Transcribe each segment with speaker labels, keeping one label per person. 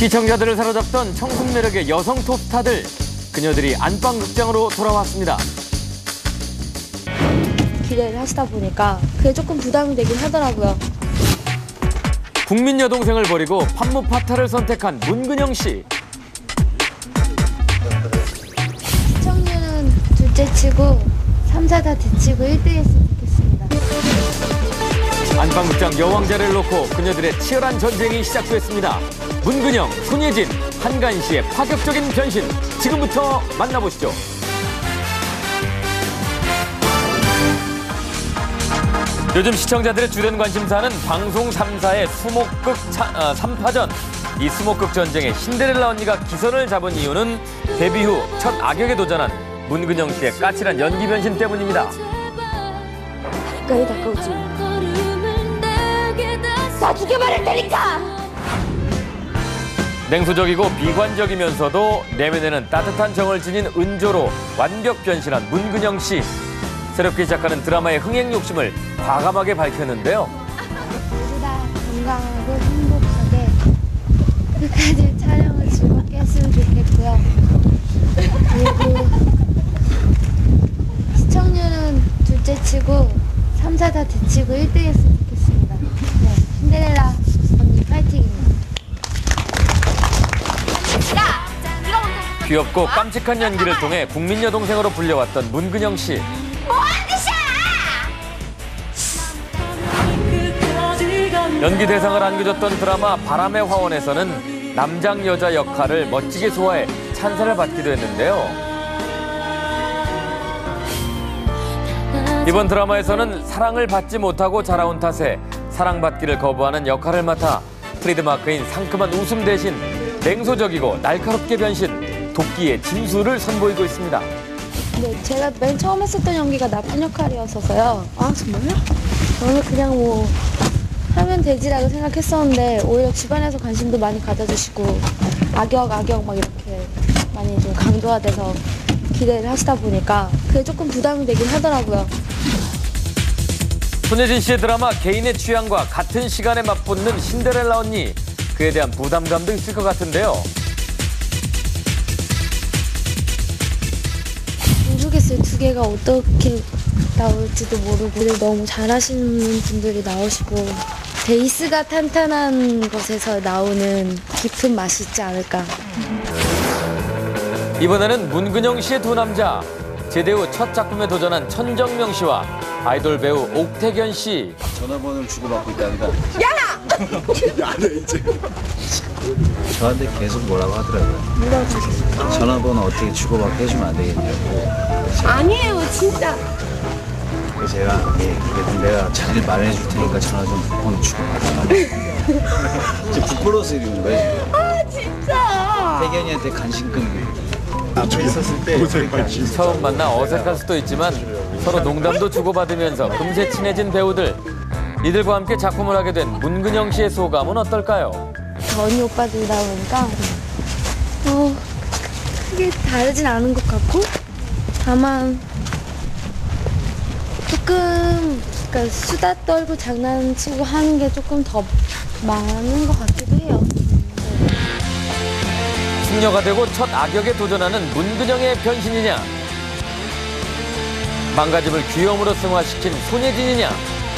Speaker 1: 시청자들을 사로잡던 청순 매력의 여성 톱스타들. 그녀들이 안방극장으로 돌아왔습니다.
Speaker 2: 기대를 하시다 보니까 그게 조금 부담이 되긴 하더라고요.
Speaker 1: 국민 여동생을 버리고 판무파타를 선택한 문근영 씨.
Speaker 2: 시청률은 둘째치고 3, 4 다 대치고 1등 했으면 좋겠습니다.
Speaker 1: 안방극장 여왕자를 놓고 그녀들의 치열한 전쟁이 시작됐습니다. 문근영, 손예진, 한가인 씨의 파격적인 변신. 지금부터 만나보시죠. 요즘 시청자들의 주된 관심사는 방송 3사의 수목극 3파전. 이 수목극 전쟁에 신데렐라 언니가 기선을 잡은 이유는 데뷔 후 첫 악역에 도전한 문근영 씨의 까칠한 연기 변신 때문입니다.
Speaker 2: 가까이 다가오지. 나 죽여버릴 테니까!
Speaker 1: 냉소적이고 비관적이면서도 내면에는 따뜻한 정을 지닌 은조로 완벽 변신한 문근영 씨. 새롭게 시작하는 드라마의 흥행 욕심을 과감하게 밝혔는데요.
Speaker 2: 모두 다 건강하고 행복하게 끝까지 촬영을 즐겁게 했으면 좋겠고요. 그리고 시청률은 둘째치고 3, 4 다 대치고 1등 했으면 좋겠습니다. 네, 신데렐라 언니 파이팅입니다.
Speaker 1: 귀엽고 깜찍한 연기를 통해 국민 여동생으로 불려왔던 문근영 씨. 연기 대상을 안겨줬던 드라마 바람의 화원에서는 남장 여자 역할을 멋지게 소화해 찬사를 받기도 했는데요. 이번 드라마에서는 사랑을 받지 못하고 자라온 탓에 사랑받기를 거부하는 역할을 맡아 트레이드마크인 상큼한 웃음 대신 냉소적이고 날카롭게 변신, 도끼의 진수를 선보이고 있습니다.
Speaker 2: 네, 제가 맨 처음 했었던 연기가 나쁜 역할이었어서요. 아, 정말요? 저는 그냥 뭐 하면 되지라고 생각했었는데 오히려 주변에서 관심도 많이 가져주시고 악역 막 이렇게 많이 좀 강조화돼서 기대를 하시다 보니까 그게 조금 부담이 되긴 하더라고요.
Speaker 1: 손예진 씨의 드라마 개인의 취향과 같은 시간에 맞붙는 신데렐라 언니. 그에 대한 부담감도 있을 것 같은데요.
Speaker 2: 모르겠어요. 두 개가 어떻게 나올지도 모르고 너무 잘하시는 분들이 나오시고 베이스가 탄탄한 것에서 나오는 깊은 맛이 있지 않을까.
Speaker 1: 이번에는 문근영 씨의 두 남자. 제대 후 첫 작품에 도전한 천정명 씨와 아이돌 배우 옥태견 씨.
Speaker 3: 전화번호를 주고받고 있다니까.
Speaker 4: 야래 이제.
Speaker 3: 저한테 계속 뭐라고 하더라고요. 전화번호 어떻게 주고받게 해주면 안 되겠냐고.
Speaker 5: 아니에요, 진짜.
Speaker 3: 그래서 제가 그래도 내가 잘 마련해 줄 테니까 전화 좀 번호 주고받아. 지금 부끄러워서 이러는 거예요.
Speaker 5: 아, 진짜.
Speaker 3: 태견이한테 간신금.
Speaker 4: 저 있었을 때
Speaker 1: 처음 만나 어색할 수도 있지만 서로 농담도 주고받으면서 금세 친해진 배우들. 이들과 함께 작품을 하게 된 문근영 씨의 소감은 어떨까요?
Speaker 2: 언니 오빠들 나오니까 크게 다르진 않은 것 같고 다만 조금 그러니까 수다 떨고 장난치고 하는 게 조금 더 많은 것 같기도 해요.
Speaker 1: 숙녀가 되고 첫 악역에 도전하는 문근영의 변신이냐? 망가짐을 귀여움으로 승화시킨 손예진이냐?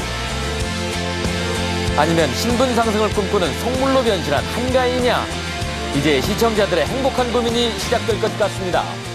Speaker 1: 아니면 신분 상승을 꿈꾸는 속물로 변신한 한가인이냐? 이제 시청자들의 행복한 고민이 시작될 것 같습니다.